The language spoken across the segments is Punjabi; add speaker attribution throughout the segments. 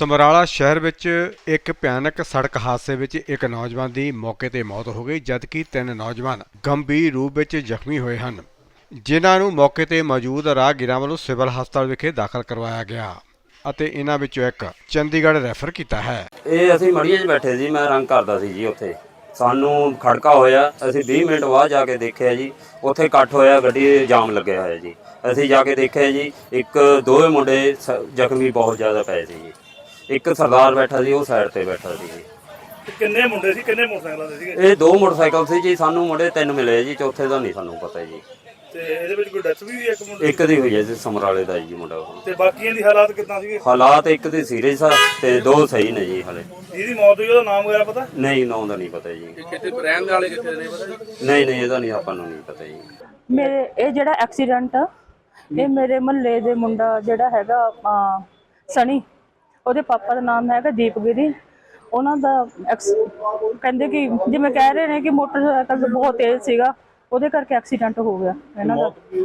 Speaker 1: ਸਮਰਾਲਾ ਸ਼ਹਿਰ ਵਿੱਚ ਇੱਕ ਭਿਆਨਕ ਸੜਕ ਹਾਦਸੇ ਵਿੱਚ ਇੱਕ ਨੌਜਵਾਨ ਦੀ ਮੌਕੇ ਤੇ ਮੌਤ ਹੋ ਗਈ, ਜਦਕਿ 3 ਨੌਜਵਾਨ ਗੰਭੀਰ ਰੂਪ ਵਿੱਚ ਜ਼ਖਮੀ ਹੋਏ ਹਨ, ਜਿਨ੍ਹਾਂ ਨੂੰ ਮੌਕੇ ਤੇ ਮੌਜੂਦ ਰਾਹਗੀਰਾਂ ਵੱਲੋਂ ਸਿਵਲ ਹਸਪਤਾਲ ਵਿਖੇ ਦਾਖਲ ਕਰਵਾਇਆ ਗਿਆ ਅਤੇ ਇਹਨਾਂ ਵਿੱਚੋਂ ਇੱਕ ਚੰਡੀਗੜ੍ਹ ਰੈਫਰ ਕੀਤਾ ਹੈ।
Speaker 2: ਇਹ ਅਸੀਂ ਮੜੀਏ 'ਚ ਬੈਠੇ ਸੀ, ਮੈਂ ਰੰਗ ਕਰਦਾ ਸੀ ਜੀ। ਉੱਥੇ ਸਾਨੂੰ ਖੜਕਾ ਹੋਇਆ, ਅਸੀਂ 20 ਮਿੰਟ ਬਾਅਦ ਜਾ ਕੇ ਦੇਖਿਆ ਜੀ, ਉੱਥੇ ਇਕੱਠ ਹੋਇਆ, ਗੱਡੀ ਜਾਮ ਲੱਗਿਆ ਹੋਇਆ ਜੀ। ਅਸੀਂ ਜਾ ਕੇ ਦੇਖਿਆ ਜੀ, ਦੋਵੇਂ ਮੁੰਡੇ ਜ਼ਖਮੀ ਬਹੁਤ ਜ਼ਿਆਦਾ ਪਏ ਸੀ ਜੀ। ਇੱਕ ਸਰਦਾਰ ਬੈਠਾ ਸੀ, ਉਹ ਸਾਈਡ ਤੇ ਬੈਠਾ ਸੀ ਜੀ।
Speaker 3: ਕਿੰਨੇ ਮੁੰਡੇ ਸੀ, ਕਿੰਨੇ ਮੋਟਰਸਾਈਕਲਾਂ ਦੇ ਸੀਗੇ?
Speaker 2: ਇਹ 2 ਮੋਟਰਸਾਈਕਲ ਸੀ ਜੀ, ਸਾਨੂੰ ਮੁੰਡੇ 3 ਮਿਲੇ ਜੀ, ਚੌਥੇ ਦਾ ਨਹੀਂ ਸਾਨੂੰ ਪਤਾ ਜੀ।
Speaker 3: ਤੇ ਇਹਦੇ ਵਿੱਚ ਕੋਈ ਡੈਥ ਵੀ ਹੋਈ ਇੱਕ ਮੁੰਡੇ
Speaker 2: ਇੱਕ ਦੀ ਹੋਈ ਹੈ ਜੀ, ਸਮਰਾਲੇ ਦਾ ਜੀ ਮੁੰਡਾ ਉਹ।
Speaker 3: ਤੇ ਬਾਕੀਆਂ ਦੀ ਹਾਲਾਤ ਕਿੱਦਾਂ ਸੀਗੇ?
Speaker 2: ਹਾਲਾਤ ਇੱਕ ਦੀ ਸੀਰੀਅਸ ਆ ਤੇ 2 ਸਹੀ ਨੇ ਜੀ ਹਲੇ।
Speaker 3: ਜਿਹਦੀ ਮੌਤ ਹੋਈ ਉਹਦਾ ਨਾਮ ਵਗੈਰਾ ਪਤਾ?
Speaker 2: ਨਹੀਂ, ਨਾਂ ਦਾ ਨਹੀਂ ਪਤਾ ਜੀ।
Speaker 4: ਕਿਤੇ ਰਹਿਣ ਵਾਲੇ ਕਿਤੇ ਨਹੀਂ ਪਤਾ?
Speaker 2: ਨਹੀਂ, ਇਹਦਾ ਨਹੀਂ, ਆਪਾਂ ਨੂੰ ਨਹੀਂ ਪਤਾ ਜੀ।
Speaker 5: ਮੇਰੇ ਇਹ ਜਿਹੜਾ ਐਕਸੀਡੈਂਟ ਆ, ਇਹ ਮੇਰੇ ਮਹੱਲੇ ਦੇ ਮੁੰਡਾ ਜਿਹੜਾ ਹੈਗਾ ਸਣੀ, ਉਹਦੇ ਪਾਪਾ ਦਾ ਨਾਮ ਹੈਗਾ ਦੀਪਗਿਰੀ। ਉਹਨਾਂ ਦਾ ਕਹਿੰਦੇ ਕਿ ਜਿਵੇਂ ਕਹਿ ਰਹੇ ਨੇ ਕਿ ਮੋਟਰਸਾਈਕਲ ਬਹੁਤ ਤੇਜ਼ ਸੀਗਾ, ਉਹਦੇ ਕਰਕੇ ਐਕਸੀਡੈਂਟ ਹੋ ਗਿਆ ਇਹਨਾਂ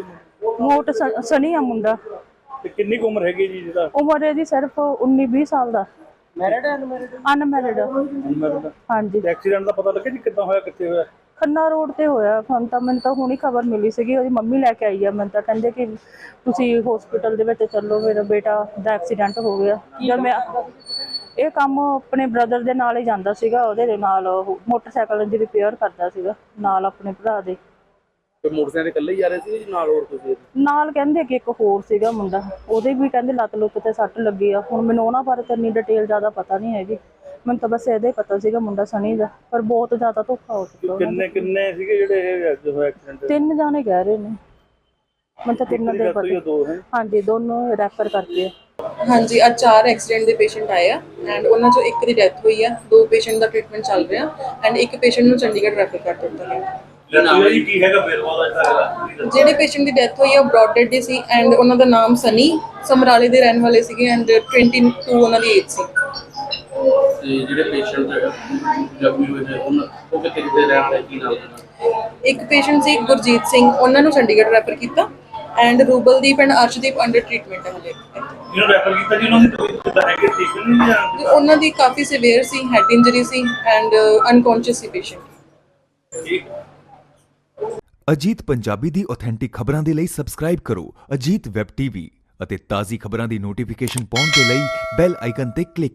Speaker 5: ਦਾ। ਸਣੀ ਆ ਮੁੰਡਾ।
Speaker 3: ਤੇ ਕਿੰਨੀ ਕੁ ਉਮਰ ਹੈਗੀ ਜੀ ਜਿਹਦਾ?
Speaker 5: ਉਮਰ ਇਹਦੀ ਸਿਰਫ 19-20 ਸਾਲ ਦਾ। ਮੈਰਿਡ ਹੈ? ਅਨਮੈਰਿਡ। ਹਾਂਜੀ।
Speaker 3: ਐਕਸੀਡੈਂਟ ਦਾ ਪਤਾ ਲੱਗਿਆ ਜੀ ਕਿੱਦਾਂ ਹੋਇਆ, ਕਿੱਥੇ ਹੋਇਆ? ਖੰਨਾ
Speaker 5: ਰੋਡ ਤੇ ਹੋਇਆ। ਮੈਨੂੰ ਤਾਂ ਹੁਣੀ ਖਬਰ ਮਿਲੀ ਸੀਗੀ, ਉਹਦੀ ਮੰਮੀ ਲੈ ਕੇ ਆਈ ਆ। ਮੈਨੂੰ ਤਾਂ ਕਹਿੰਦੇ ਕਿ ਤੁਸੀਂ ਹਸਪੀਟਲ ਦੇ ਵਿੱਚ ਚੱਲੋ, ਮੇਰਾ ਬੇਟਾ ਦਾ ਐਕਸੀਡੈਂਟ ਹੋ ਗਿਆ। ਜਦ ਮੈਂ ਇਹ ਕੰਮ ਆਪਣੇ ਬ੍ਰਦਰ ਦੇ ਨਾਲ ਹੀ ਜਾਂਦਾ ਸੀਗਾ, ਉਹਦੇ ਨਾਲ ਮੋਟਰਸਾਈਕਲ ਦੀ ਰਿਪੇਅਰ ਕਰਦਾ ਸੀਗਾ ਨਾਲ ਆਪਣੇ ਭਰਾ ਦੇ।
Speaker 4: ਮੋਟਰਸਾਈਕਲ ਇਕੱਲੇ ਹੀ ਜਾ ਰਹੇ ਸੀ ਨਾਲ ਹੋਰ ਤੁਸੀਂ?
Speaker 5: ਨਾਲ ਕਹਿੰਦੇ ਕਿ ਇੱਕ ਹੋਰ ਸੀਗਾ ਮੁੰਡਾ, ਉਹਦੇ ਵੀ ਕਹਿੰਦੇ ਲੱਤ ਲੁੱਤ ਤੇ ਸੱਟ ਲੱਗੀ ਆ। ਹੁਣ ਮੈਨੂੰ ਉਹਨਾਂ ਬਾਰੇ ਤਾਂ ਇੰਨੀ ਡਿਟੇਲ ਜ਼ਿਆਦਾ ਪਤਾ ਨਹੀਂ ਹੈਗੀ, ਮੈਨੂੰ ਤਾਂ ਬਸ ਇਹਦਾ ਹੀ ਪਤਾ ਸੀਗਾ ਮੁੰਡਾ ਸਣੀ ਦਾ। ਪਰ ਬਹੁਤ ਜ਼ਿਆਦਾ ਧੋਖਾ ਹੋ ਚੁੱਕਾ।
Speaker 3: ਕਿੰਨੇ ਸੀਗੇ ਜਿਹੜੇ ਐਕਸੀਡੈਂਟ?
Speaker 5: 3 ਜਾਣੇ ਕਹਿ ਰਹੇ ਨੇ, ਮੈਨੂੰ ਤਾਂ 3 ਦੇ ਪਤਾ। ਹਾਂਜੀ, ਦੋਨੋਂ ਰੈਫਰ ਕਰਕੇ।
Speaker 6: ਹਾਂਜੀ, ਅੱਜ 4 ਐਕਸੀਡੈਂਟ ਦੇ ਪੇਸ਼ੈਂਟ ਆਏ ਆ ਐਂਡ ਉਹਨਾਂ ਚੋਂ ਇੱਕ ਦੀ ਡੈਥ ਹੋਈ ਆ। 2 ਪੇਸ਼ੈਂਟ ਦਾ ਟ੍ਰੀਟਮੈਂਟ ਚੱਲ ਰਿਹਾ ਐਂਡ ਇੱਕ ਪੇਸ਼ੈਂਟ ਨੂੰ ਚੰਡੀਗੜ੍ਹ ਰੈਫਰ ਕਰ ਦਿੱਤਾ ਗਿਆ।
Speaker 3: ਕੀ ਹੈਗਾ ਬੇਰਵਾ ਦਾ?
Speaker 6: ਜਿਹੜੇ ਪੇਸ਼ੈਂਟ ਦੀ ਡੈਥ ਹੋਈ ਆ ਉਹ ਬ੍ਰੌਡ ਡੈਡ ਦੀ ਸੀ ਐਂਡ ਉਹਨਾਂ ਦਾ ਨਾਮ ਸਨੀ, ਸਮਰਾਲੇ ਦੇ ਰਹਿਣ ਵਾਲੇ ਸੀਗੇ ਐਂਡ 22 ਉਹਨਾਂ ਦੀ ਏਜ ਸੀ।
Speaker 4: ਤੇ ਜਿਹੜੇ ਪੇਸ਼ੈਂਟ ਜ਼ਖਮੀ ਹੋਏ ਨੇ ਉਹ ਕਿੱਥੇ ਰਹਿਣ ਵਾਲੇ, ਕੀ ਨਾਮ?
Speaker 6: ਇੱਕ ਪੇਸ਼ੈਂਟ ਸੀ ਗੁਰਜੀਤ ਸਿੰਘ, ਉਹਨਾਂ ਨੂੰ ਚੰਡੀਗੜ੍ਹ ਰੈਫਰ ਕੀਤਾ and Rubaldeep and Arshdeep under treatment ਹੈ ਹਲੇ।
Speaker 3: ਜਿਹਨੂੰ ਰੈਫਰ ਕੀਤਾ ਜੀ, ਉਹਨਾਂ ਦੀ ਕਿੱਦਾਂ ਹੈਗੇ, ਠੀਕ ਨਹੀਂ ਜਾਂ?
Speaker 6: ਉਹਨਾਂ ਦੀ ਕਾਫੀ ਸਿਵੀਅਰ ਸੀ, ਹੈਡ ਇੰਜਰੀ ਸੀ ਐਂਡ ਅਨਕੌਂਸ਼ੀਅਸ ਸੀ ਪੇਸ਼ੈਂਟ।
Speaker 3: ਠੀਕ।
Speaker 7: ਅਜੀਤ ਪੰਜਾਬੀ ਦੀ ਆਥੈਂਟਿਕ ਖਬਰਾਂ ਦੇ ਲਈ ਸਬਸਕ੍ਰਾਈਬ ਕਰੋ ਅਜੀਤ ਵੈਬ ਟੀਵੀ ਅਤੇ ਤਾਜ਼ੀ ਖਬਰਾਂ ਦੀ ਨੋਟੀਫਿਕੇਸ਼ਨ ਪਾਉਣ ਦੇ ਲਈ ਬੈਲ ਆਈਕਨ ਤੇ ਕਲਿੱਕ